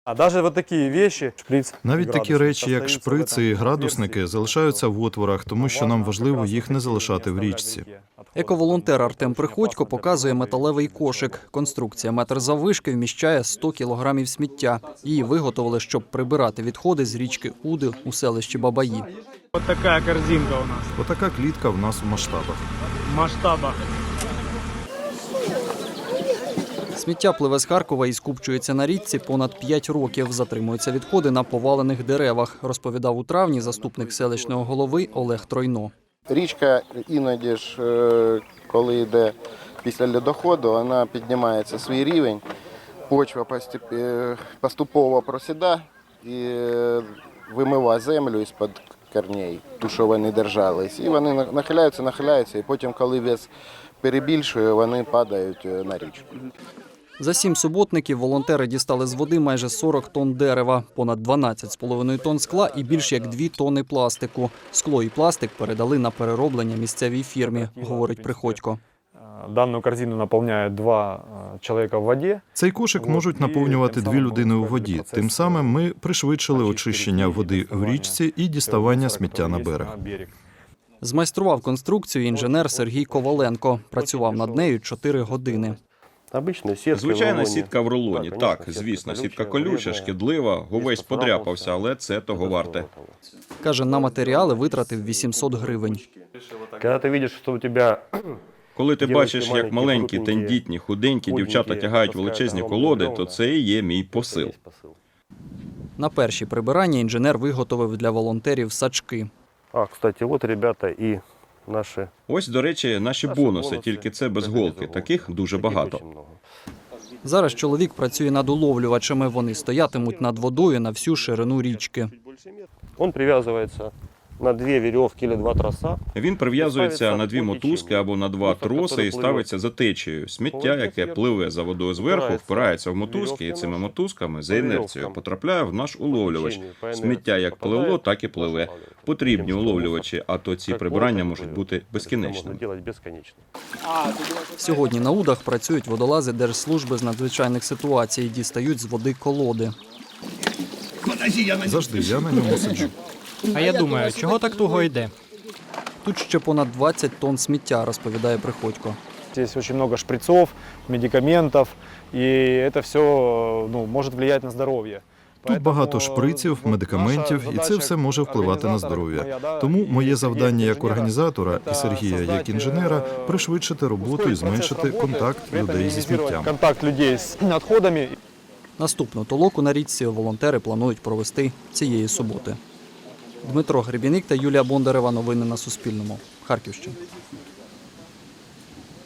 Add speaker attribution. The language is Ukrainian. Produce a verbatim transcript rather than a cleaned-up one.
Speaker 1: Навіть такі речі, як шприци і градусники, залишаються в отворах, тому що нам важливо їх не залишати в річці.
Speaker 2: Ековолонтер Артем Приходько показує металевий кошик. Конструкція метр заввишки вміщає сто кілограмів сміття. Її виготовили, щоб прибирати відходи з річки Уди у селищі Бабаї.
Speaker 3: Ось така корзинка у нас.
Speaker 1: Отака клітка в нас у масштабах.
Speaker 3: В масштабах.
Speaker 2: Сміття пливе з Харкова і скупчується на річці понад п'ять років. Затримуються відходи на повалених деревах, розповідав у травні заступник селищного голови Олег Тройно.
Speaker 4: Річка іноді ж, коли йде після льодоходу, вона піднімається свій рівень, почва поступово просідає і вимиває землю із-під корней, ту, що вони держались. І вони нахиляються, нахиляються, і потім, коли вес перебільшує, вони падають на річку.
Speaker 2: За сім суботників волонтери дістали з води майже сорок тонн дерева, понад дванадцять з половиною тонн скла і більш як дві тонни пластику. Скло і пластик передали на перероблення місцевій фірмі, говорить Приходько.
Speaker 5: Дану корзину наповняють два чоловіка в воді.
Speaker 1: Цей кошик можуть наповнювати дві людини у воді. Тим самим ми пришвидшили очищення води в річці і діставання сміття на берег.
Speaker 2: Змайстрував конструкцію інженер Сергій Коваленко. Працював над нею чотири години.
Speaker 6: Звичайна сітка в рулоні. Так, звісно, сітка колюча, шкідлива, увесь подряпався, але це того варте.
Speaker 2: Каже, на матеріали витратив вісімсот гривень.
Speaker 6: Коли ти бачиш, як маленькі, тендітні, худенькі дівчата тягають величезні колоди, то це і є мій посил.
Speaker 2: На перші прибирання інженер виготовив для волонтерів сачки.
Speaker 7: А, кстати, от ребята і наші...
Speaker 6: Ось, до речі, наші бонуси, тільки це без голки. Таких дуже багато.
Speaker 2: Зараз чоловік працює над уловлювачами. Вони стоятимуть над водою на всю ширину річки.
Speaker 7: Він прив'язується на дві вірьовки або два троса.
Speaker 6: Він прив'язується на дві мотузки або на два троси і ставиться за течією. Сміття, яке пливе за водою зверху, впирається в мотузки і цими мотузками за інерцією потрапляє в наш уловлювач. Сміття як пливло, так і пливе. Потрібні уловлювачі, а то ці прибирання можуть бути безкінечними.
Speaker 2: Сьогодні на Удах працюють водолази Держслужби з надзвичайних ситуацій, дістають з води колоди.
Speaker 1: Завжди я на ньому сиджу.
Speaker 3: А я думаю, чого так туго йде?
Speaker 2: Тут ще понад двадцять тонн сміття, розповідає Приходько.
Speaker 5: Здесь очень много шприцов, медикаментов, і це все ну, може впливати на здоров'я.
Speaker 1: Тут багато шприців, медикаментів, і це все може впливати на здоров'я. Тому моє завдання як організатора і Сергія як інженера – пришвидшити роботу і зменшити контакт людей зі сміттям.
Speaker 5: Контакт людей з відходами.
Speaker 2: Наступну толоку на річці волонтери планують провести цієї суботи. Дмитро Гребіник та Юлія Бондарева. Новини на Суспільному. Харківщина.